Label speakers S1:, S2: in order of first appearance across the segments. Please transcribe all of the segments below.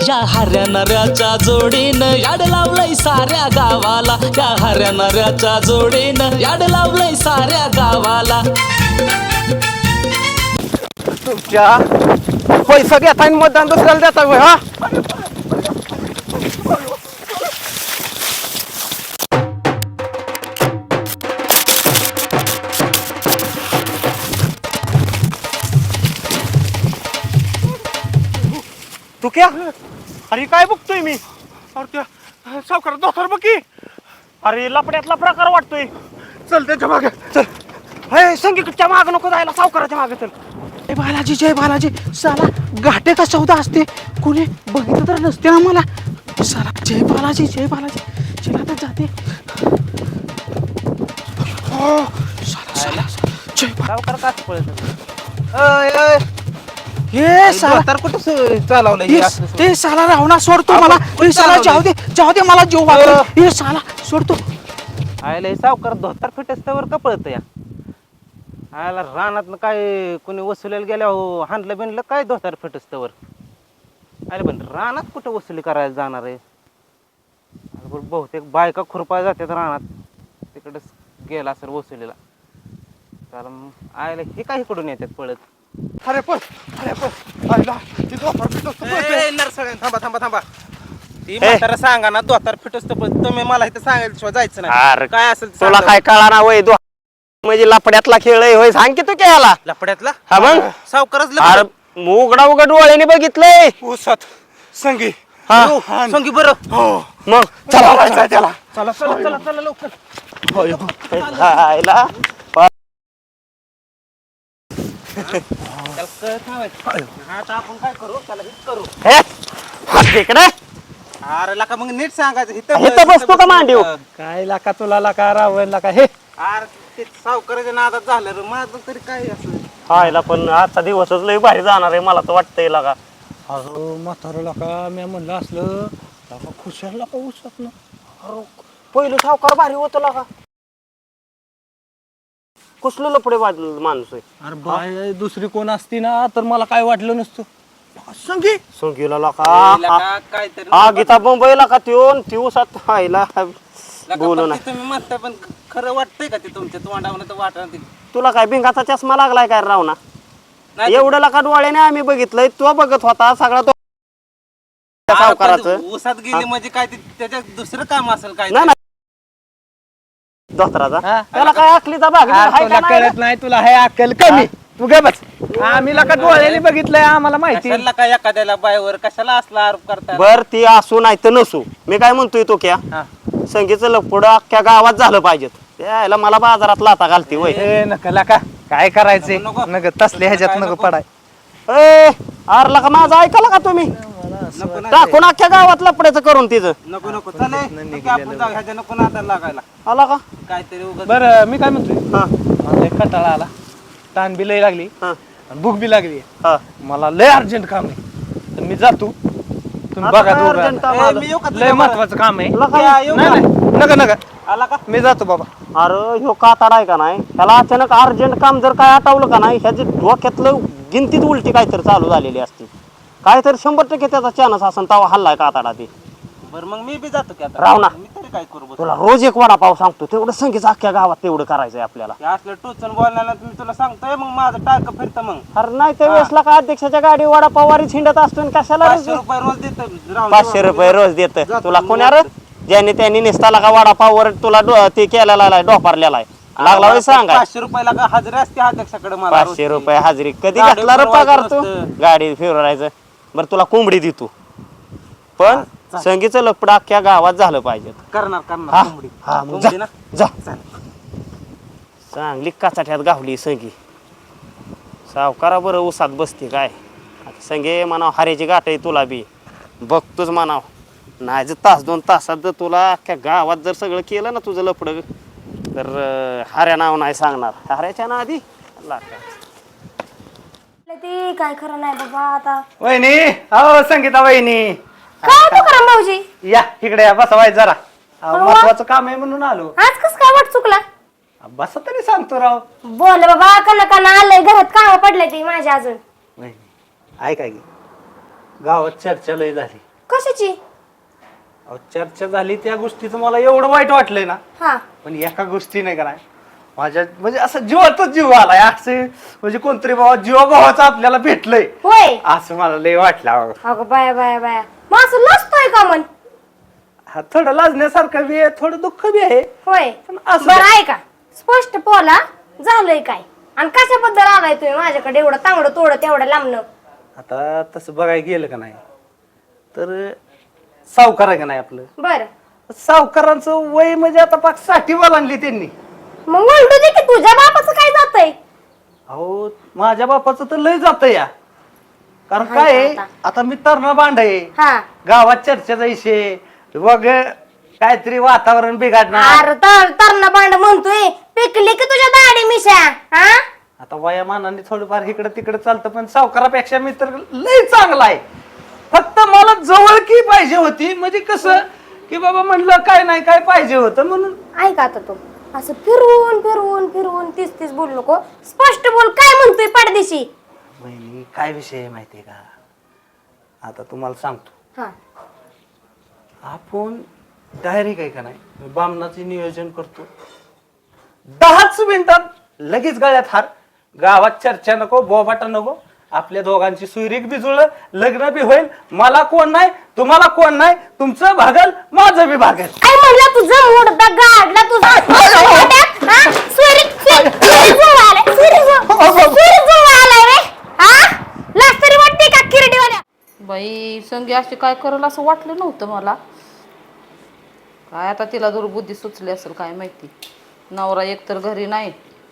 S1: या हऱ्या नऱ्याच्या जोडीनं याड लावलंय साऱ्या गावाला, या हऱ्या नऱ्याच्या जोडीनं याड लावलंय साऱ्या गावाला.
S2: तुमच्या पैसा घेता आणि मतदान दुसऱ्याला देता होय हा? तू क्या अरे काय बघतोय मी? अरे त्या सावकार दोतर बघ की. अरे लपड्यातला प्रकार वाटतोय. चल त्याच्या मागे चल. हे संगीतच्या मागे नको जायला, सावकाराच्या मागे चल. जय बालाजी जय बालाजी. साला घाटेचा सौदा असते, कोणी बघितलं तर नसते ना मला. साला जय बालाजी जय बालाजी. चला तर जाते. हो साला जय सावकार काच पळत. हे साला तर कुठं चालवलंय? हे साला रावणा सोडतो मला. हे साला जाऊ दे मला जीव वाटतो. हे साला सोडतो.
S3: आयला सावकार धोतर फिटस्तवर का पळत या? आयला रानात काय कोणी वसुलीला गेल्या हो हाणलं बिनलं काय धोतर फिटस्तवर? अरे पण रानात कुठं वसुली करायला जाणार आहे? बहुतेक बायका खुरपाय जातात रानात, तिकडच गेला सर वसुलीला. तर आयला हे काय इकडून येतात पळत?
S2: अरे पण
S3: थांबा थांबा थांबा. ती म्हातारा सांगा ना धोतर फिटस्त पळत. तुम्ही मला इथं सांगायला जायचं नाही. काय असेल
S2: तुला काय कळा ना वय? म्हणजे लपड्यातला खेळ आहे होय? सांग की तू केला
S3: लपड्यातला.
S2: हा मग
S3: सावकारच
S2: अरे उघडा उघड डोळ्याने बघितलंय.
S4: ऊसात संगी
S2: हा
S3: संगी बरं.
S2: मग चला
S4: त्याला
S3: चला चला चला चला लवकर.
S2: खायला
S3: आता आपण काय करू? त्याला हिट करू.
S2: तिकडे
S3: अरे लका मग नीट सांगायचं.
S2: इथं बसतो का मांडीव?
S4: काय लाका तुला लाका रावण लाका हे
S3: अरे ते सावकाराच्या नादात झालं रे माझं तरी काय असं.
S2: खायला पण आजचा दिवसच लय भारी जाणार आहे मला तर वाटतंय लागा.
S4: अरे म्हातारं लाका मी म्हणलं असलं लाका खुशाल लाका ऊसात ना.
S2: पहिलं सावकार भारी होतो लागा. कुसलं लपडे वाजलं माणूस आहे.
S4: अरे बाय दुसरी कोण असती ना तर मला काय वाटलं नसतं. संगी
S2: संगीला लाका
S3: काहीतरी
S2: हा गीता मुंबईला का दिवसात खायला बोलू नाही.
S3: तुम्ही म्हणता पण खरं वाटतंय का ते तुमच्या तोंडावर तर वाटत?
S2: तुला काय भिंगाचा चष्मा लागलाय काय राव ना? एवढं लका डोळ्याने आम्ही बघितलंय. तो बघत होता सगळा तो सावकाराचं.
S3: ऊसात गेली म्हणजे काय त्याच्यात दुसरं काम असेल काय?
S2: नाही धोत्राचा त्याला काय आखलीचा भाग
S4: तुला कळत नाही, तुला हे अक्कल कमी. तू गे बस. आम्ही लाका डोळ्याने बघितलंय, आम्हाला माहिती.
S3: कशाला काय एखाद्याला बायवर कशाला असला आरोप करता?
S2: बर ती असू नाही तर नसू, मी काय म्हणतोय तो क्या संगीचं लपडं अख्ख्या गावात झालं पाहिजे. त्याला मला बाजारात लाता घालते वय.
S4: ए नका लाका काय करायचंय नग तसले ह्याच्यात नको पडाय.
S2: ए आरला का माझं ऐकाला का तुम्ही? टाकून अख्ख्या गावात लपड्याचं करून तिचं.
S3: नको नको चले आपण जाऊ. ह्याच्या नको नादाला लागायला.
S2: आला का?
S3: काहीतरी उगाच.
S4: बरं मी काय म्हणतोय,
S2: हा
S4: मला लय कंटाळा आला, ताण बी लय लागली
S2: हा
S4: आणि भूक बी लागली.
S2: हा
S4: मला लय अर्जंट काम आहे तर मी जातो. तुम्ही
S2: आता
S4: बघा
S2: काय
S4: दोघं
S2: अर्जंट
S4: आता.
S2: काम आलं?
S3: मी येऊ का
S4: लय
S3: तुझ्या
S4: महत्वाचं काम आहे.
S2: तुला काय?
S3: या, येऊ
S4: नाही
S3: का?
S4: नाही नका नका
S3: आला का?
S4: मी जातो बाबा.
S2: अरे ह्यो काताड आहे का नाही, त्याला अचानक अर्जंट काम जर काय आठवलं का नाही, ह्याची डोक्यातलं गिनतीत उलटी काहीतरी चालू झालेली असते. काहीतरी 100% त्याचा चान्स असन तवा हल्लाय काताडा ते.
S3: बरं मग मी बी जातो की आता.
S2: राव ना.
S3: मी तरी काय करू बस.
S2: तुला रोज एक वडापाव सांगतो, तेवढं संगीचं अख्ख्या गावात तेवढं करायचंय आपल्याला.
S3: हे असलं टोचन बोलण्याला तुम्ही तुला सांगतोय मग माझं टाक फिरतं मग.
S2: अरे नाही त्या वेळेसला का अध्यक्षाच्या गाडी वडापाव वारी छिंडत असतो आणि कशाला
S3: 500 रुपये रोज देतो.
S2: 500 रुपये रोज देत तुला कोण्या रे? ज्याने त्यांनी निसताला का वडापाववर तुला ते केलेला आहे, डोपारलेला आहे. लागला होय सांगा.
S3: 500 रुपयाला का हजरी असते अध्यक्षाकडे मला.
S2: 500 रुपये हजेरी कधी
S3: गाडी
S2: घेतला रे पगार तू?
S3: फिरवायचं
S2: गाडी फिरवायचं. बरं तुला कोंबडी देतो, पण संगीचं लपडं अख्ख्या गावात झालं पाहिजे.
S3: करणार
S2: हा
S3: करणार कोंबडी.
S2: हा मग
S3: कोंबडी ना.
S2: जा चांगली काचाठ्यात गावली संगी. सावकारा बरं उसात बसते काय संगे म्हणाव हाऱ्याची गाठ आहे तुला बी बघतोच म्हणाव. नाही जर तास 2 तासात जर तुला अख्ख्या गावात जर सगळं केलं ना तुझं लपडं तर हाऱ्या नाव नाही सांगणार. हाऱ्याच्या ना आधी
S5: ती काय खरं नाही बाबा आता.
S4: वहिनी हो संगीता वहिनी
S5: काय तू करा भाऊजी?
S4: या इकडे या बसवाय जरा. महत्वाचं काम आहे म्हणून आलो.
S5: आज कस काय वाट चुकला?
S4: बस तरी सांगतो राव.
S5: बोल बाबा कना कना आलंय घरात काम पडलंय ती माझ्या अजून.
S4: वहिनी ऐका की गावात चर्चा लय झाली.
S5: कशाची?
S4: अहो, चर्चा झाली त्या गोष्टीचं मला एवढं वाईट वाटलंय ना,
S5: हा
S4: पण एका गोष्टी नाही का नाही माझ्या म्हणजे असं जीवातच जीव आलाय असं म्हणजे कोणतरी बाबा जीवाभावाचं आपल्याला भेटलंय
S5: होय.
S4: असं मला लय वाटलं अहो.
S5: अगं बाया बाया बाया, मग असं लसतोय का मन?
S4: हा थोडं लाजण्यासारखं बी आहे, थोडं दुःख बी आहे.
S5: होय.
S4: पण असं
S5: बरं आहे का स्पष्ट बोला, झालंय काय आणि कशाबद्दल आलाय तुम्ही माझ्याकडे एवढं तांगडं तोडं तेवढं लांबणं?
S4: आता तसं बघायला गेलं का नाही तर सावकार आहे का नाही आपलं,
S5: बर
S4: सावकारांचं वय म्हणजे आता पाक 60 ओलांडली त्यांनी.
S5: मग म्हणतो दे की तुझ्या बापाचं काय जातंय?
S4: अहो माझ्या बापाचं तर लय जात या, कारण
S5: हाय
S4: काय आहे,
S5: का
S4: आता मी तरणा बांड आहे,
S5: हा
S4: गावात चर्चा जायचे बघ काहीतरी वातावरण बिघडणार.
S5: अरे तरणा बांड म्हणतोय, पिकली की तुझ्या दाढी मिशा? हा
S4: आता वयामानाने थोडंफार इकडे तिकडे चालतं, पण सावकारापेक्षा मी तर लय चांगला आहे. फक्त मला जवळकी पाहिजे होती, म्हणजे कसं की बाबा म्हणलं काय नाही काय पाहिजे होतं म्हणून.
S5: ऐका आता तू असं फिरवून फिरवून फिरवून तीच तीच बोलू नको, स्पष्ट बोल काय म्हणतोय पाडदेशी.
S4: बहिणी काय विषय आहे माहितीये का, आता तुम्हाला सांगतो.
S5: हा
S4: आपण डायरेक्ट आहे का नाही बामणाचे नियोजन करतो, 10च मिनिटात लगेच गळ्यात हार, गावात चर्चा नको बोबाटा नको, आपल्या दोघांची सुईरीक बी जुळलं, लग्न बी होईल, मला कोण नाही तुम्हाला कोण नाही, तुमचं भागल माझं बी भागल.
S5: काय म्हणला तुझा मुडदा गाडला तुझा? हा? सुरी जुळून आलाय, सुरी जुळून आलाय रे. हा? लाज तरी वाटते का किरडीवाल्या?
S6: बाई संगी अशी काय करल असं वाटलं नव्हतं मला. काय आता तिला दुर्बुद्धी सुचली असेल काय माहिती. नवरा एकतर घरी नाही,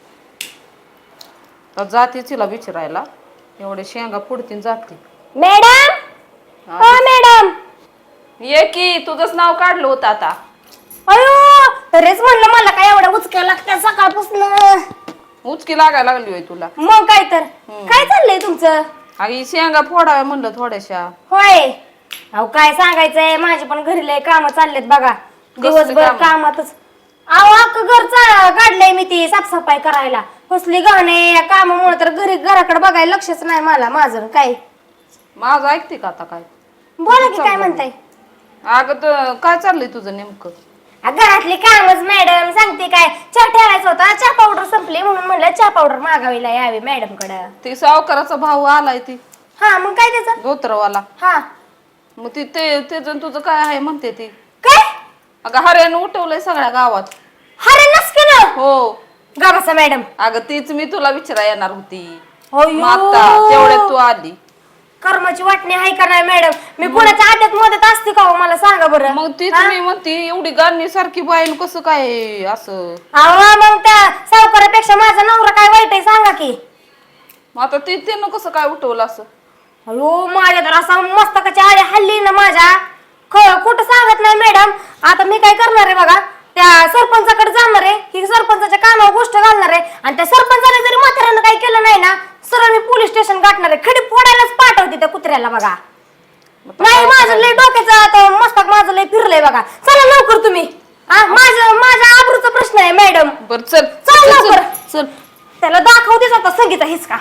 S6: तर जाते तिला विचारायला, एवढे शेंगा पुढतीन जाते.
S5: मॅडम हो मॅडम.
S6: ये की तुझंच नाव काढलं होतं आता.
S5: अयो तरीच म्हणलं मला काय एवढ्या उचक्या लागत्या सकाळपासून.
S6: उचकी लागायला लागली होय तुला.
S5: मग काय तर काय चाललंय तुमचं?
S6: अगं शेंगा फोडाव्या म्हणलं थोड्याशा.
S5: होय. अहो काय सांगायचंय, माझे पण घरी लय काम चाललेत बघा, दिवसभर
S6: कामं?
S5: कामातच. अहो अख्खं घर काढलंय मी ती साफसफाई करायला, कसली घाणे या कामामुळे तर घराकडे बघायला लक्षच नाही मला माझं. काय
S6: माझं ऐकते का आता काय?
S5: बोला की काय म्हणताय?
S6: अगं काय चाललंय तुझं नेमकं?
S5: घरातली कामच मॅडम, सांगते काय, चहा ठेवायचा होता, चहा पावडर संपली म्हणून म्हणलं चहा पावडर मागावीला यावी मॅडम कडे.
S6: ती सावकाराचा भाऊ आलाय ती
S5: हा मग काय त्याचं?
S6: धोत्रवाला.
S5: हा
S6: मग ती ते तुझं काय आहे म्हणते ती.
S5: काय?
S6: अगं हऱ्यानं उठवलंय सगळ्या गावात.
S5: अरे नसके ना
S6: हो
S5: गावाचा मॅडम.
S6: अगं तीच मी तुला विचारा येणार होती,
S5: अय्यो.
S6: मग आता तेवढ्यात तू आली.
S5: कर्माची वाटणी आहे का नाही मॅडम? मी कोणाच्या आद्यात मदत असते का हो मला सांगा बरं.
S6: मग तीच मी म्हणते एवढी गाणी सारखी बाईल कसं काय असं.
S5: अहो मग त्या सावकारापेक्षा माझा नवरा काय वाईट आहे सांगा की.
S6: मग आता त्यानं कसं काय उठवलं असं?
S5: अयो माझ्या तर असा मस्तकाची आळी हल्ली ना माझ्या, खोटं सांगत नाही मॅडम. आता मी काय करणार आहे बघा, त्या सरपंचाकडे जाणार आहे, ही सरपंचाच्या कानावर गोष्ट घालणार आहे, आणि त्या सरपंचाने जरी म्हाताऱ्यानं काही केलं नाही ना, सरळ मी पोलीस स्टेशन गाठणार आहे, खडी फोडायलाच पाठवते त्या कुत्र्याला बघा. नाही माझं लय डोक्याचं आता मस्तक माझं लय फिरलंय बघा. चला लवकर तुम्ही, माझ्या आबरूचा प्रश्न आहे मॅडम.
S6: बर चल
S5: चल लवकर.
S6: चल.
S5: त्याला दाखवतेच आता संगीता हिसका.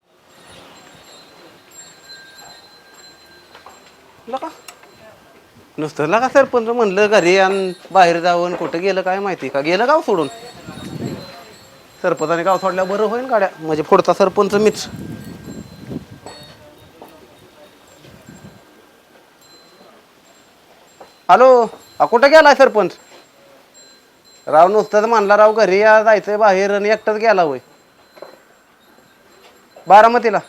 S3: नुसतं लगा सरपंच म्हणलं घरी आणि बाहेर जाऊन कुठं गेलं काय माहिती, का गेलं गाव सोडून. सरपंचाने गाव सोडल्या बरं होईल गाड्या, म्हणजे पुढचा सरपंच मीच. हॅलो कुठं गेलाय सरपंच? राव नुसतं म्हणला राव घरी या जायचंय बाहेर आणि एकटाच गेला होय. बारामतीला?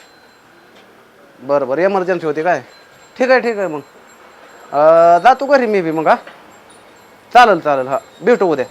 S3: बरं बरं एमर्जन्सी होती काय? ठीक आहे मग जातो घरी मी बी मग. हा चालेल हा भेटू उद्या.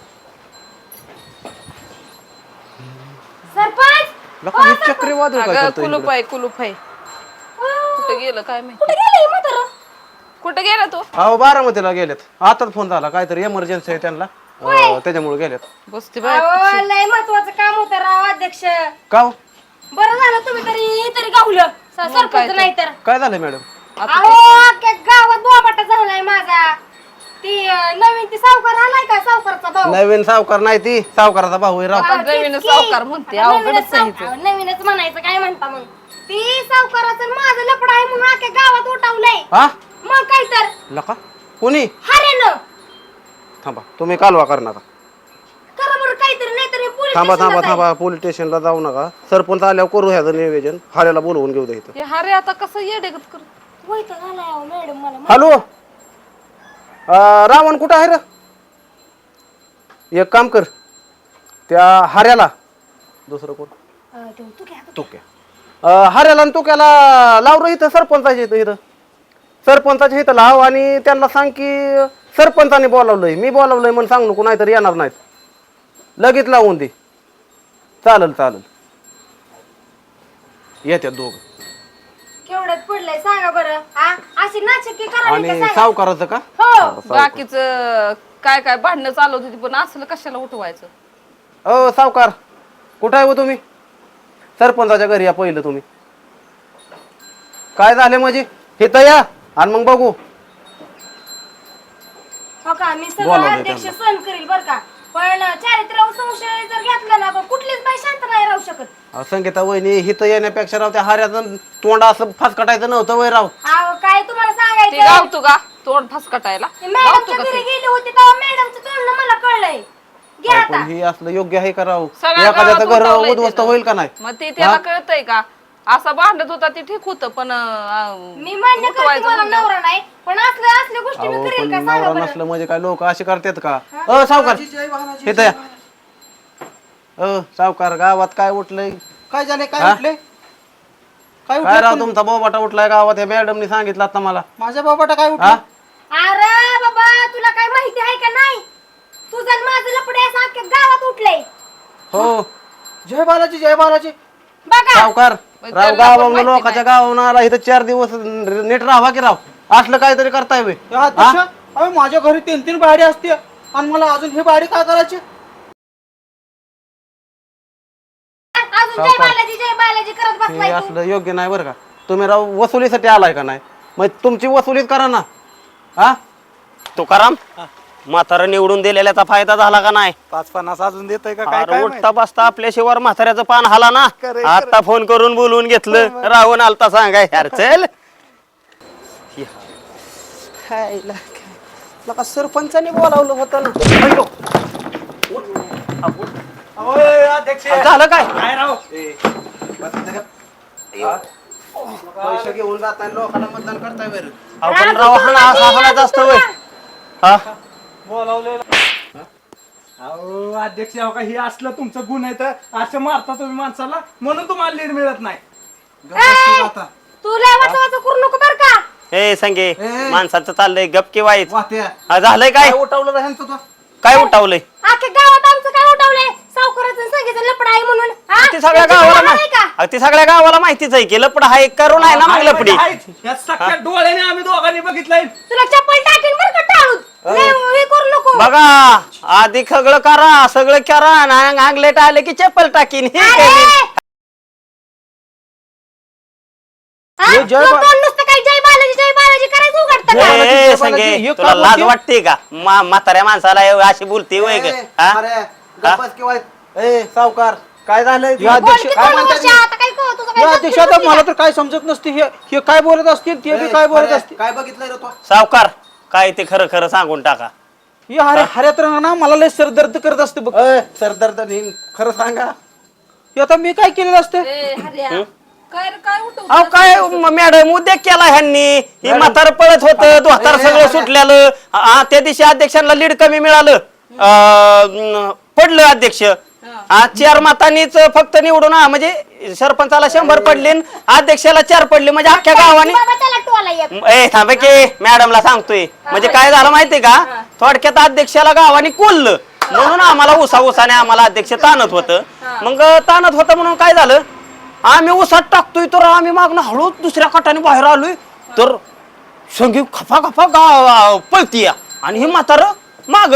S5: सरपंच
S3: चक्रीवादळ काय
S6: अगं
S3: करतोय इकडं?
S6: कुलूप आहे. कुठं गेलं काय माहिती?
S5: कुठे गेली ही म्हातारं?
S6: कुठं गेला तू?
S3: अहो बारामतीला गेलेत, आताच फोन झाला, काहीतरी एमर्जन्सी आहे त्यांना, त्याच्यामुळे गेलेत.
S6: बसते बाय.
S5: अहो, लय महत्वाचं काम होतं राव अध्यक्ष.
S3: का हो?
S5: बरं झालं तुम्ही तरी गावलं. सरपंच नाही तर.
S3: काय झालंय मॅडम?
S5: अहो अख्ख्या गावात बोबाटा झालाय माझा. ती नवीन ती सावकार आलाय का, सावकारचा भाऊ.
S3: नवीन सावकार नाही, ती सावकाराचा भाऊ आहे राव.
S6: आता नवीन सावकार म्हणते, अवघडच आहे हिचं.
S5: नवीनच म्हणायचं काय म्हणता मग. ती सावकाराचं माझं लपड आहे म्हणून अख्ख्या गावात उठवलंय.
S3: हा
S5: मग काय तर
S4: लका कोणी
S5: हारेनं
S4: थांबा तुम्ही कालवा कर नका
S5: करा बरं काहीतरी नाहीतर हे पोलीस
S4: थांबा
S5: स्टेशनला
S4: थांबा
S5: जाईल.
S4: थांबा पोलीस स्टेशनला जाऊ नका सरपंच आल्यावर करू ह्याचं नियोजन हाऱ्याला बोलवून घेऊ दे इथं
S6: हे हारे आता कसं येडेगत कर
S5: वैताग आलाय अहो मॅडम मला
S4: हॅलो रावण कुठं आहे रे एक काम कर त्या हाऱ्याला दुसरं कोण
S5: तू घ्या
S4: तुक्या हाऱ्याला आणि तुक्याला लाव रे इथं सरपंचाच्या इथं इथं सरपंचाच्या इथं लाव आणि त्यांना सांग की सरपंचाने बोलावलंय मी बोलावलंय म्हणून सांग नको नाहीतर येणार नाहीत लगेच लावून दे चालेल चालेल येत्यात दोघं
S5: केवढ्यात पडलंय सांगा बरं हा अशी नाचक्की करा
S4: आणि सावकाराचं का
S5: हो
S6: बाकीच काय काय भांडणं चालवत होती पण असलं कशाला उठवायचं
S4: अ सावकार कुठं आहे हो तुम्ही सरपंचाच्या घरी या पहिलं तुम्ही काय झाले म्हणजे इथं या आणि मग बघू
S5: हो का मी सगळं
S4: बोलावलंय
S5: अध्यक्ष
S4: त्यांना.
S5: सहन करील बरं का पण चारित्र्यावर संशय जर घेतला ना तर कुठलीच बाई शांत नाही राहू शकत
S4: संगीता वहिनी हिथं येण्यापेक्षा राव त्या हाऱ्याचं तोंड असं फासकटायचं नव्हतं वय राव
S5: अहो काय तुम्हाला
S6: ते
S5: सांगायचं
S6: गावतो का तोंड फसकटायला
S5: मॅडमच्या घरी गेली होती तेव्हा मॅडमचं तोंड मला कळलंय घ्या आता
S4: पण हे असलं योग्य आहे का राव
S6: सगळ्या
S4: एखाद्याचं
S6: गावात
S4: घर
S6: उठवलंय
S4: उद्ध्वस्त
S6: त्यानं.
S4: होईल का नाही
S6: मग ते त्याला कळतंय का असा भांडत होता ते ठीक होतं पण
S5: मी मान्य करते
S6: उठवायचं
S5: मला
S6: म्हणलं.
S5: नवरा नाही पण असल्या गोष्टी मी
S4: अहो
S5: करेल
S4: पण
S5: का सांगा
S4: नवरा
S5: बरं
S4: नसलं म्हणजे काय लोक असे करतात का सावकार इथं या सावकार गावात काय उठलंय
S2: काय झाले
S4: हा?
S2: काय उठले काय
S4: काय राव
S2: उठले
S4: तुमचा बोबाटा उठलाय गावात या मॅडमनी सांगितलं आता मला
S2: माझ्या बाबाटा काय
S4: हा
S2: उठला
S5: अरे बाबा तुला काय माहिती आहे का नाही तुझं आणि माझं लपडे असं अख्ख्या गावात उठलंय
S4: हो
S2: जय बालाजी जय बालाजी
S5: बघा
S4: सावकार
S6: मग
S4: राव
S6: त्यांना पण
S4: गावावरून
S6: माहिती
S4: लोकांच्या गावावरून आला इथं 4 दिवस नीट राहावा की राव असलं काहीतरी करताय बे
S2: या अध्यक्ष अहो माझ्या घरी 3-3 बाडी असते आणि मला अजून ही बाडी काय करायची
S5: अजून जय बालाजी करत
S4: हे
S5: बसलाय तू
S4: असलं योग्य नाही बरं का तुम्ही राव वसुलीसाठी आलाय का नाही मग तुमची वसुलीच करा ना हा
S2: तुकाराम म्हातारा निवडून दिलेल्याचा फायदा झाला का नाही
S7: 5-50 अजून देतोय का
S2: अरे उठता बसता आपल्याशिवाय म्हाताऱ्याचं पान हाला ना आता फोन करून बोलवून घेतलं राहून आलता सांगाय यार चल
S4: लका सरपंचाने बोलावलं होतं ना
S7: अध्यक्ष
S4: झालं काय
S7: काय राव
S4: पैसे घेऊन जाताय लोकांना मतदान करताय बरं
S2: आपण राव हाणायचं असतं वय हा
S7: अहो अध्यक्ष अहो का हे असलं तुमचं गुण आहे तर असं मारता तुम्ही माणसाला म्हणून तुम्हाला लीड मिळत नाही
S5: तू लय वाचा करू नको बर का
S2: ए संगे माणसाचं चाललंय गपकी वाईच
S4: वाट्या
S2: हा, झालंय काय
S4: उठवलं रे ह्यांचं तो
S2: काय उठावलंय
S5: अख्ख्या गावात आमचं काय उठवलंय सावकाराचं सांगितलं लपडा आहे म्हणून हा?
S2: ती सगळ्या
S5: तुमची
S2: गावाला
S5: गावाला नाही का
S2: अहो, ती सगळ्या गावाला माहितीच आहे की लपड हा एक करून आहे ना मग लपडी
S7: या सख्या डोळ्याने आम्ही दोघांनी बघितलंय
S5: तुला चप्पल टाकीन बर का टाळून लय हे करू नको
S2: बघा आधी सगळं करा सगळं करा आणि अंगलेट आले की चप्पल टाकीन हे
S5: अरे!
S2: करीन.
S5: हा? तू कोण नुसतं काही जय बालाजी करायचं उघडतं का?
S2: ए, संगे तुला लाज वाटते का म्हाताऱ्या माणसाला अशी बोलते वय ग हा?
S4: गप्पच किंवा ए सावकार काय झालंय
S5: बोल की दोन वर्ष आता काय कळत तुझं काय
S2: अध्यक्ष
S5: समजून
S2: आता
S5: नसते
S2: मला
S5: का?
S2: तर काय समजत नसते हे काय बोलत असतील ते बी काय बोलत असतील
S4: काय बघितलंय रे तो
S2: सावकार काय ते खरं खरं सांगून टाका
S7: हे हऱ्यात ना मला लय सरदर्द करत असते बघ
S4: सरदर्द नाही खरं सांगा
S7: हे आता मी काय केलेलं असतं
S6: ए, हऱ्या, काय रे, काय उठव
S2: अहो काय मॅडम उद्योग केला ह्यांनी ही म्हातार पळत होत दोहातार सगळं सुटल्यालं त्या दिवशी अध्यक्षांना लीड कमी मिळालं पडलं अध्यक्ष 4 मतांनीच फक्त निवडून म्हणजे सरपंचाला 100 पडले आणि अध्यक्षाला 4 पडले म्हणजे अख्ख्या गावाने
S5: बाबा त्याला टोला एक
S2: ए थांबे की मॅडमला सांगतोय म्हणजे काय झालं माहितीये का थोडक्यात अध्यक्षाला गावाने कोल्लं म्हणून आम्हाला उसाने आम्हाला अध्यक्ष ताणत होतं मग ताणत होतं म्हणून काय झालं आम्ही उसात टाकतोय तर आम्ही मागणं हळू दुसऱ्या कटाने बाहेर आलोय तर संगी खफा खफा पळतीय आणि ही म्हातार माग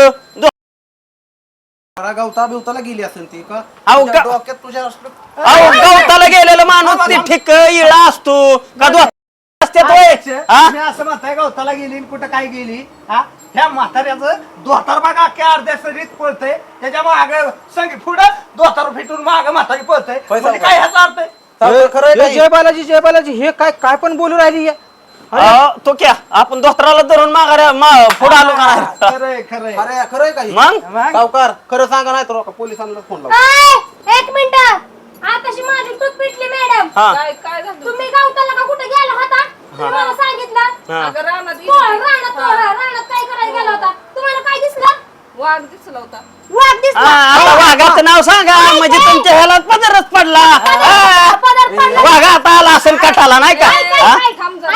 S4: गवता बिवताला गेली असेल ती का
S2: अहो,
S4: तुझ्या डोक्यात तुझ्या असलं
S2: अहो गवताला गेलेला माणूस ते ठिक इळा असतो का असते
S7: मी असं म्हणताय गवताला गेली आणि कुठं काय गेली हा ह्या म्हाताऱ्याचं दोतार बघा अख्ख्या अर्ध्या सरीत पळतंय त्याच्या माग संगी पुढं दोतार फिटून माग म्हातारी पळतंय म्हणजे काय ह्याचा अर्थ आहे
S4: खरं
S2: जय बालाजी हे काय काय पण बोलू राहिली तो क्या आपण दोस्तराला धरून पुढे आलो का नाही?
S7: खरंय खरंय
S3: अरे खरंय काही
S2: मग
S3: सावकार खरं सांगा नाही तर पोलिसांना फोन लावा.
S5: ऐ, एक मिनिट आताशी माझी दूध पिटली मॅडम
S2: हा
S6: काय झालं
S5: तुम्ही गावताला का कुठे गेला होता तुम्ही मला सांगितलं
S2: हा.
S6: अगं रानात
S5: रानात काय करायला गेला होता तुम्हाला काय दिसलं
S6: वाघ दिसला होता.
S5: वाघ दिसला
S2: आता वाघाचं नाव सांगा म्हणजे तुमच्या ह्याला पदरच पडला
S5: पदर पडला.
S2: वाघ आता आला असेल कटाला नाही का हा?
S6: थांब जरा.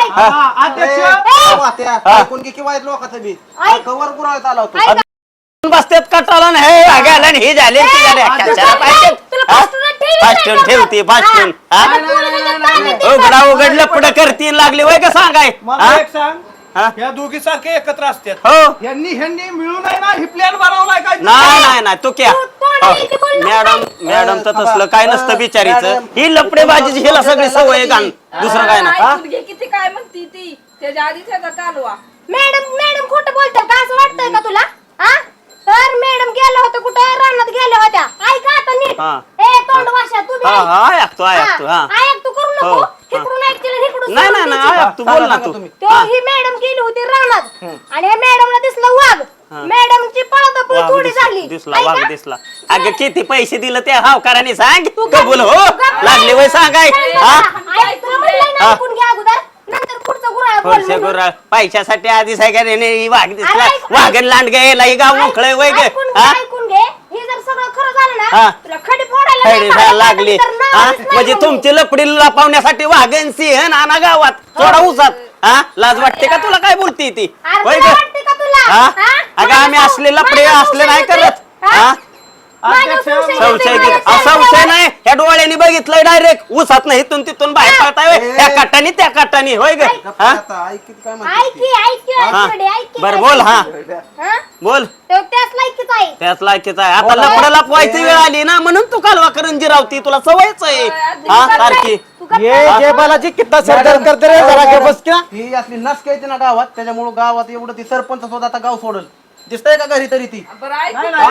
S7: अध्यक्ष
S3: ऐकून घे किंवा लोकांचं बी कवर गुराळत आला होता.
S2: बसतेत कटाला ना हे वाघाला आणि हे झाले ते झाले कशाला पाहिजे
S5: तुला पास्टरला ठेवीत नाही
S2: फास्टून
S5: का?
S2: ठेवते फास्टून
S5: आता पोलिसांच्या ताब्यात दिलं.
S2: उघडा उघडलं पुढे करतील लागले वय का सांगाय
S7: मला एक सांग
S2: हा?
S7: या दोघी सारखे एकत्र असतात
S2: हो
S7: ह्यांनी मिळून आहे ना ही प्लॅन बनवलाय काय
S2: नाही तू क्या
S5: तू तोंडाला इथे बोलला
S2: मॅडम तर तसलं काय नसतं बिचारीचं ही लपडेबाजीची हिला सगळी सवय आहे का दुसरं काय ना
S6: ऐकून घे किती काय म्हणती ती त्याच्या आधी त्याचा कालवा.
S5: मॅडम खोटं बोलतात का असं वाटतंय का तुला हा तर मॅडम गेल्या होत्या कुठे रानात गेल्या होत्या ऐका आता नीट
S2: हा.
S5: ए तोंड वाशा तू बी
S2: हा
S5: ऐक.
S2: हा ऐकतो ऐकतो हा
S5: ऐक तू करू
S2: हो,
S5: नको
S2: हा.
S5: इकडून ऐकतील आणि इकडून
S2: नाही
S5: सोडून
S2: नाही
S5: द्यायची.
S2: नाही ऐक तू बोल ना तू
S5: तो ही मॅडम गेली होती रानात आणि ह्या मॅडमला दिसलं वाघ मॅडमची पळापळ
S2: वाघ
S5: थोडी झाली
S2: दिसला वाघ
S5: ऐका?
S2: दिसला अगं किती पैसे दिले त्या हावकाराने सांग
S5: तू
S2: कबूल हो
S5: गप्प
S2: लागले वय सांगाय हा
S5: ऐक, तुला म्हणलंय ना,
S2: हा.
S5: ऐकून घ्या अगोदर नंतर पुढचं गुराळ बोल
S2: वर्षा
S5: म्हणून.
S2: गुरा पैशासाठी आधी सगळ्याने वाघ दिसला
S5: अरे ऐक,
S2: वाघन लांड गेला ही गाव मोकळय वय ग
S5: ऐकून घे,
S2: हा
S5: ऐकून घे हे जर सगळं खरं झालं
S2: हा.
S5: ना तुला खडी फोडायला
S2: खडी
S5: नाही
S2: जायला
S5: पाहिजे,
S2: लागली
S5: तर नाव
S2: हा?
S5: दिसणार
S2: म्हणजे
S5: नाही.
S2: तुमची लपडी लपवण्यासाठी वाघन सिंह नाना गावात थोडा उसात हा लाज वाटते का तुला काय बोलती ती
S5: अरे
S2: होय
S5: तुला
S2: ग
S5: वाटते का तुला
S2: हा?
S5: हा?
S2: अगं आम्ही
S5: माझ्या
S2: असले लपडे
S5: माझ्या
S2: असले नाही
S5: संशय
S2: करत
S5: येते?
S2: हा
S5: माझ्या
S2: संशय
S5: येते,
S2: घेत
S5: माझ्या
S2: संशय नाही ह्या डोळ्यांनी बघितलंय डायरेक्ट उसात नाही इथून तिथून बाहेर पडताय होय. त्या काटानी त्या काटानी होय ग हा
S3: आता ऐक किती काय म्हणते
S5: ऐक की, ऐक की, ऐक
S2: हा.
S5: की, ऐक की,
S2: बर
S5: ऐक
S2: बोल
S5: की.
S2: हा
S5: हा?
S2: बोल
S5: तो त्याच लायकीच आहे
S2: त्याच लायकीच आहे आता लपडा लपवायची वेळ आली ना म्हणून तू कालवा करंजी रावती तुला सवयच आहे हा सारखी
S5: तू गप्प
S7: ये जय बालाजी कितना सरदर्द करते रे जरा के बस क्या
S3: ही असली नस येते ना गावात त्याच्यामुळे गावात एवढं ती सरपंच सुद्धा आता गाव सोडल दिसतंय का घरी तरी ती
S6: बरं ऐक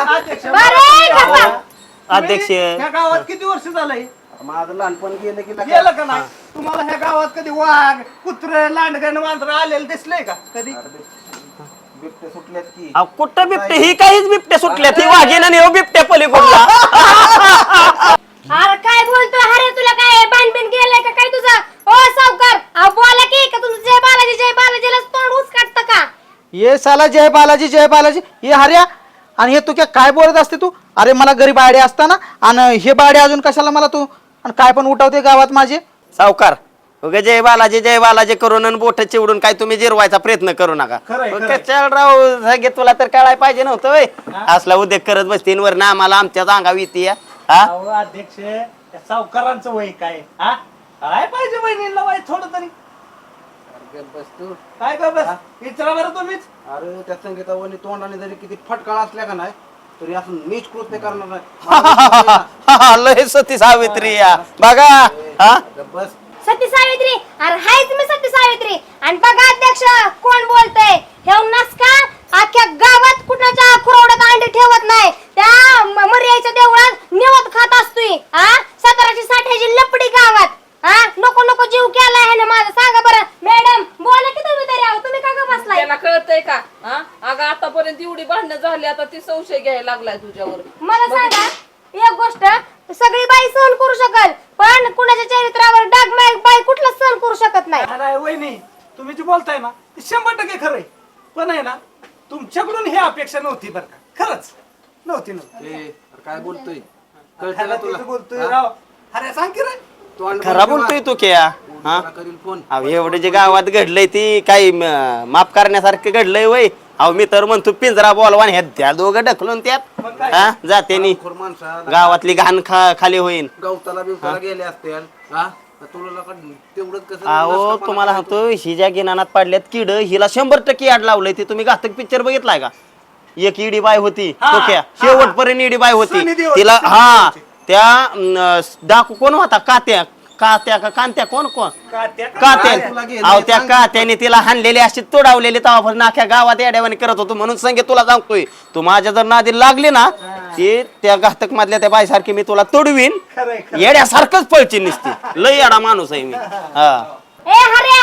S5: बरे गप्पा.
S2: अध्यक्ष
S7: ह्या गावात किती वर्ष झालंय
S3: माझं लहानपण गेलं की
S7: गेलं का नाही तुम्हाला ह्या गावात कधी वाघ कुत्र लांडगण मांजर आलेलं दिसलंय का कधी
S3: बिबटे सुटल्यात की
S2: अहो, कुठं बिबटे ही काहीच बिबटे सुटल्या ती वाघीन आणि हो बिबटे पलीकडला
S5: अरे काय बोलतो अरे तुला काय बाणबिन गेलाय का काय तुझा ओ सावकार अहो बोला की का तुझं जय बालाजीला तोंड उच काढतं का
S7: ये साला जय बालाजी ये हर्या आणि हे तू काय बोलत असते तू अरे मला गरीब आडे असताना आणि हे बाडे अजून कशाला मला तू आणि काय पण उठवते गावात माझे
S2: सावकार उगा जय बालाजी करून आणि बोट चिवडून काय तुम्ही जिरवायचा प्रयत्न करू नका चल राव सगळे तुला तर कळायला पाहिजे नव्हतं वय असला उद्योग करत बसतीन वर ना आम्हाला आमच्याच अंगावर येते हा
S7: अध्यक्ष सावकारांचं वय काय हा काय पाहिजे बहिणीला वय थोडं तरी
S3: बस तू
S7: काय का बस विचारा बरं तुम्हीच
S3: अरे त्या संगीतावनी तोंडाने जरी किती फटकाळ असल्या का नाही तरी असं नीच कृत्य करणार नाही
S2: लय सती सावित्री या बघा हा
S3: बस
S5: सती सावित्री अरे हायच मी सती सावित्री आणि बघा अध्यक्ष कोण बोलतय हे नसका अख्ख्या गावात कुणाच्या खुरवड्यात अंडी ठेवत नाही त्या मर्याच्या देवळात निवत खात असतोय हा 1760 लपडी गावात हा नको जीव केलाय ह्याने माझा सांगा बरं मॅडम बोला की तुम्ही तरी आहो तुम्ही का ग बसलाय
S6: त्याला कळतंय का हा अगं आतापर्यंत एवढी भांडणं झाली आता ती संशय घ्यायला लागलाय तुझ्यावर.
S5: मला सांगा एक गोष्ट सगळी बाई सहन करू शकल पण कुणाच्या चरित्रावर डाग बाई कुठला सहन करू शकत नाही
S7: नाही वहिनी तुम्ही जे बोलताय ना ते 100% खरंय पण आहे ना तुमच्याकडून ही अपेक्षा नव्हती बरं का खरंच नव्हती
S3: काय बोलतोय कळतं का तुला
S7: बोलतोय राव अरे सांग की रे
S2: खरा बोलतोय तू क्या हा
S3: करील फोन
S2: अहो एवढं जे गावात घडलंय ती काही माफ करण्यासारखं घडलंय वय अहो मी तर म्हणतो पिंजरा बोलवा आणि ह्या त्या दोघं ढकलून त्यात हा जाते
S3: माणसा
S2: गावातली घाण खाली होईन
S3: गवताला बिवताला गेले असतील हा तुला तेवढंच कसं
S2: अहो तुम्हाला सांगतो ही ज्या गिनानात पाडल्यात किड हिला 100% आड लावलंय ते तुम्ही घातक पिक्चर बघितलाय का एक इडी बाय होती टोक्या शेवटपर्यंत इडी बाय होती तिला हा त्या डाकू कोण होता कात्या का कांत्या कोण कात्या अहो त्या कात्याने तिला हाणलेली अशी तोडावलेली तवा नाख्या गावात येड्यावानी करत होतो म्हणून संगे तुला सांगतोय तू माझ्या जर नादी लागली ना ते त्या घातक मधल्या त्या बाईसारखी मी तुला तोडवीन येड्यासारखंच पळची निसती लय येडा माणूस आहे मी हा
S5: ए हर्या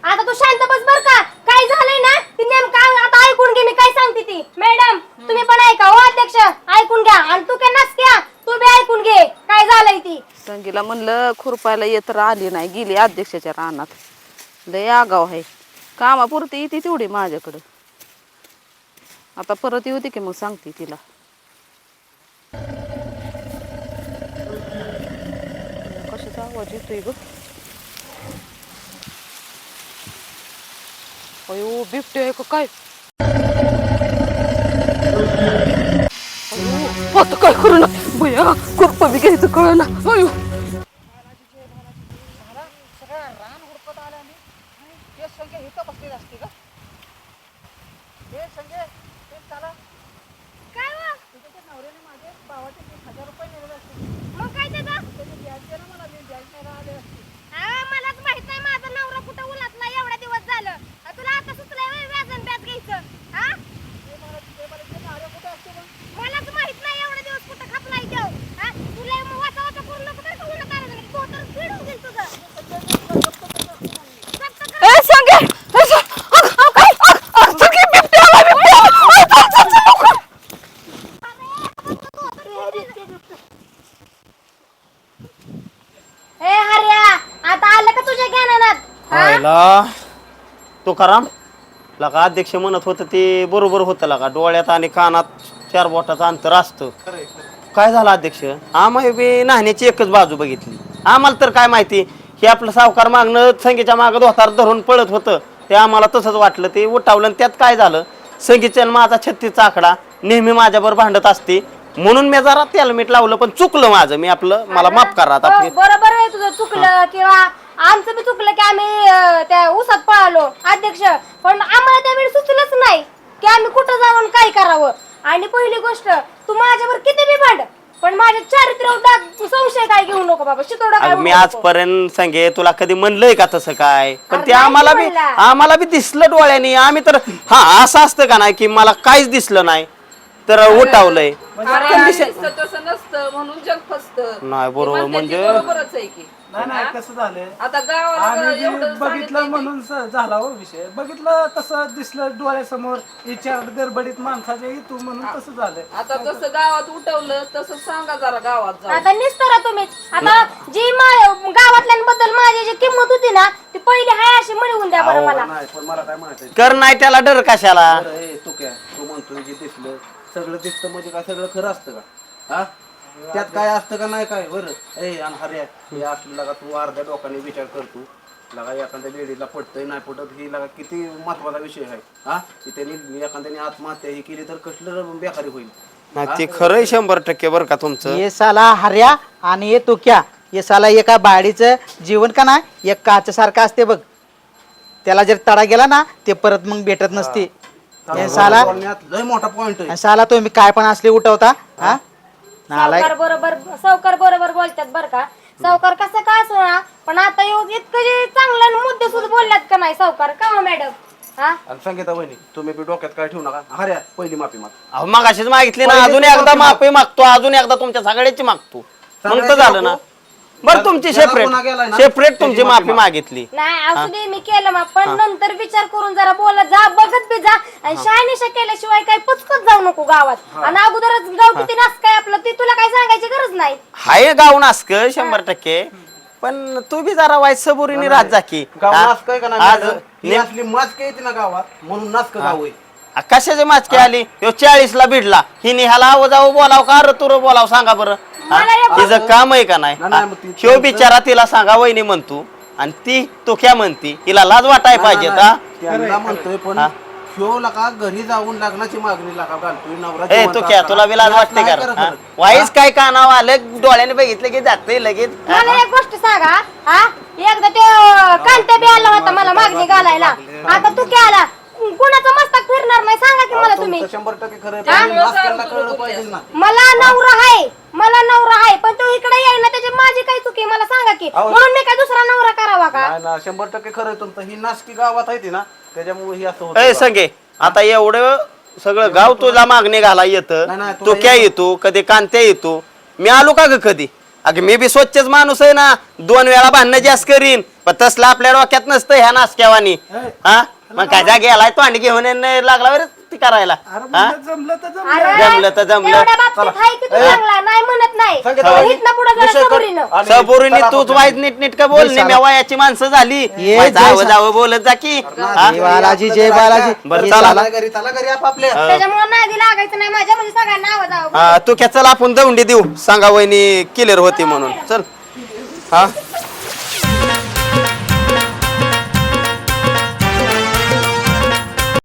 S5: आता तू शांत बस बर का. काय झालंय ना ती नेमकं आता ऐकून घे मी काय सांगते ती. मॅडम तुम्ही पण ऐका हो अध्यक्ष ऐकून घ्या आणि तू काय नसत्या तू बी ऐकून घे काय झालंय ती.
S6: संगीला म्हणलं खुरपायला येत आली नाही गेली अध्यक्षाच्या रानात. लय आगाव आहे कामापुरती येते तेवढी माझ्याकडं. आता परत येऊ दे की मग सांगते तिला. कशाचा आवाज येतोय ग. अयो बिबटे आहे का काय. अयो आता काय करू ना भैया खुरपा बी घ्यायचं कळ ना. अयो
S5: काय वा? मग काय त्याचं? मलाच माहित नाही माझा नवरा कुठं उलटला एवढा दिवस झालं. तुला आता सुचलंय व्हय व्याजन ब्याज घ्यायचं. हा? मलाच माहित नाही एवढा दिवस कुठं खपलाय देव. हा? तुला मग वाचा वाचा करू नको बरं का उलट आलं नाही. तो तर फिरून गेल तुझं.
S6: ए संगे संगे बिबटे आला बिबटे आला.
S5: ए हर्या आता आलं का तुझ्या ज्ञानात? हा?
S2: व्हायला तुकाराम लका अध्यक्ष म्हणत होतं ते बरोबर होतं लका. डोळ्यात आणि कानात 4 बोटाचं अंतर असतं. काय झालं अध्यक्ष आम्ही बी नाण्याची एकच बाजू बघितली. आम्हाला तर काय माहिती हे आपलं सावकार मागणं संगीच्या मागं धोतार धरून पळत होतं ते आम्हाला तसंच वाटलं. ते उठावलं आणि त्यात काय झालं संगीच्या माझा 36चा आकडा नेहमी माझ्यावर भांडत असते म्हणून मी जरा त्याला मीठ लावलं पण चुकलं माझं. मी आपलं मला माफ करा आता.
S5: हो, बरोबर आहे तुझं चुकलं किंवा आमचं बी चुकलं की आम्ही त्या उसात पळालो अध्यक्ष. पण आम्हाला त्यावेळी सुचलंच नाही की आम्ही कुठं जाऊन काय करावं. आणि पहिली गोष्ट तू माझ्यावर किती बी भांड पण माझ्या चारित्र्यावर संशय काय घेऊ नको बाबा. शितोडा काय
S2: मी आजपर्यंत सांगे तुला कधी म्हणलंय का तसं काय. पण ते
S5: नाही
S2: आम्हाला बी दिसलं डोळ्याने. आम्ही तर हा असं असतं का नाही की मला काहीच दिसलं नाही तर उठावलंय.
S6: तसं नसतं म्हणून जग फसतं.
S2: नाही बरोबर म्हणजे
S6: बरोबरच आहे की.
S7: नाही कसं झालंय
S6: आता गावाला
S7: आम्ही
S6: एवढं
S7: जे बघितलं
S6: सांगितलंय
S7: म्हणून झाला हो विषय. बघितलं तसं दिसलं डोळ्यासमोर विचार गडबडीत माणसाच्या तू म्हणून तसं झालंय.
S6: आता तसं गावात उठवलं तसं सांगा जरा गावात जाऊन.
S5: आता निस्तरा तुम्हीच. आता जी गावातल्यांबद्दल माझी जी किंमत होती ना ती पहिली हाय अशी मिळवून द्या बरं मला.
S7: नाही पण मला काय म्हणायचं
S2: कर नाही त्याला डर कशाला.
S7: तू काय तू म्हणतोय जे दिसलं सगळं दिसतं म्हणजे काय सगळं खरं असतं का. हा त्यात काय असतं का नाही काय बरं. ए आणि हर्या हे असलं का तू अर्ध्या डोकाने विचार करतो लगा एखाद्या लेडीला पटतंय नाही पटत ही लगा किती महत्वाचा विषय आहे. हा की त्यांनी एखाद्याने आत्महत्या ही केली तर कसलं बेकारी होईल.
S2: नाही ते खरंय 100% बरं का तुमचं.
S8: ये साला हर्या आणि ये तो क्या ये साला एका बाडीचं जीवन का ना एक काचसारखं असते बघ. त्याला जर तडा गेला ना ते परत मग भेटत नसते. हे साला
S7: लय मोठा पॉइंट आहे.
S8: साला तुम्ही काय पण असले उठवता. हा नालायक.
S5: सावकार बरोबर बोलतात बरं का. सावकार कसं का असो ना पण आता इतकं जे चांगलं मुद्दे सुद्धा बोलल्यात का नाही सावकार का हो मॅडम. हा
S7: आणि संगीता वहिनी तुम्ही बी डोक्यात काय ठेवू नका. हर्या पहिली माफी माग.
S2: अहो मगाशीच मागितली ना अजून एकदा माफी मागतो. अजून एकदा तुमच्या सगळ्याची मागतो मग तर झालं ना. बरं तुमची सेपरेट तुमची माफी मागितली.
S5: नाही असू दे मी केलं मग पण नंतर विचार करून जरा बोला जा बघत बी जा आणि शहानिशा केल्याशिवाय काही पुचकत जाऊ नको गावात. आणि अगोदरच गाव किती नास काय आपलं ते तुला काही सांगायची गरज नाही.
S2: हाय गाव नासक 100% पण तू बी जरा वाईट सबुरीने राहत जा की.
S7: गाव नाचक आहे का
S2: आज
S7: नाही. ही असली माचक येते ना गावात म्हणून नाचक गाव आहे.
S2: कशाचे माचके आली. 40ला भिडला हिने ह्याला आव जाऊ बोलाव का अरे तुर बोलाव सांगा बरं. तिचं काम आहे का नाही. ह्यो बिचारा तिला सांगा वहिनी म्हणतो आणि ती तो क्या म्हणती हिला लाज वाटाय पाहिजे का.
S7: त्यांना म्हणतोय पण ह्यो लका घरी जाऊन लग्नाची मागणी लका घालतोय नवरा.
S2: ए तू क्या तुला बी लाज वाटते का. वाईच काय कानाव आलं डोळ्याने बघितलं की जाते लगेच.
S5: मला एक गोष्ट सांगा हा एकदा ते कांत्या बी आला होता मला मागणी घालायला. आता तू काय आला कुणाचं मस्तक फिरणार नाही सांगा की मला तुम्ही.
S7: 100% खरं आहे. पण नाचकांना कळलं पाहिजे ना.
S5: मला नवरा आहे पण तो इकडे येईना त्याची माझी काय चुकी मला सांगा की म्हणून मी काय दुसरा नवरा करावा का.
S7: नाही ना 100% खरं आहे तुमचं. ही नाचकी गावात आहे ती ना त्याच्यामुळे ही असं
S2: ए
S7: होतं.
S2: संगे आता एवढं सगळं गाव तुला मागणी घाला येतं.
S7: नाही,
S2: तो
S7: तुला
S2: क्या येतो कधी कांत्या येतो. मी आलो का ग कधी
S9: अगं मी बी स्वच्छच माणूस आहे ना, 2 वेळा भांडणं जास्त करीन, पण तसलं आपल्या डोक्यात नसतं ह्या नासक्यावानी. हा मग काय जा गेलाय तोंड घेऊन लागला बरं ती करायला. हा
S7: जमलं तर जमलं.
S5: अरे,
S9: जमलं तर जमलं.
S5: एवढ्या बाबतीत हाय की तू चांगला, नाही म्हणत नाही. पण इथनं पुढं जरा सबुरीनं.
S9: सबुरीने तूच वाईट नीट का बोल नाही, वयाची माणसं झाली, जावं जावं बोलत जा की. हा?
S8: जय बालाजी जय बालाजी.
S9: बरं
S8: हे
S9: चला.
S7: चला घरी आपापल्या.
S5: त्याच्यामुळे नादी लागायचं नाही माझ्या, म्हणजे सगळ्यांना आवाज आवाज.
S9: तू क्या चल आपण दौंडी देऊ, सांगा वहिनी क्लिअर होती म्हणून. चल. हा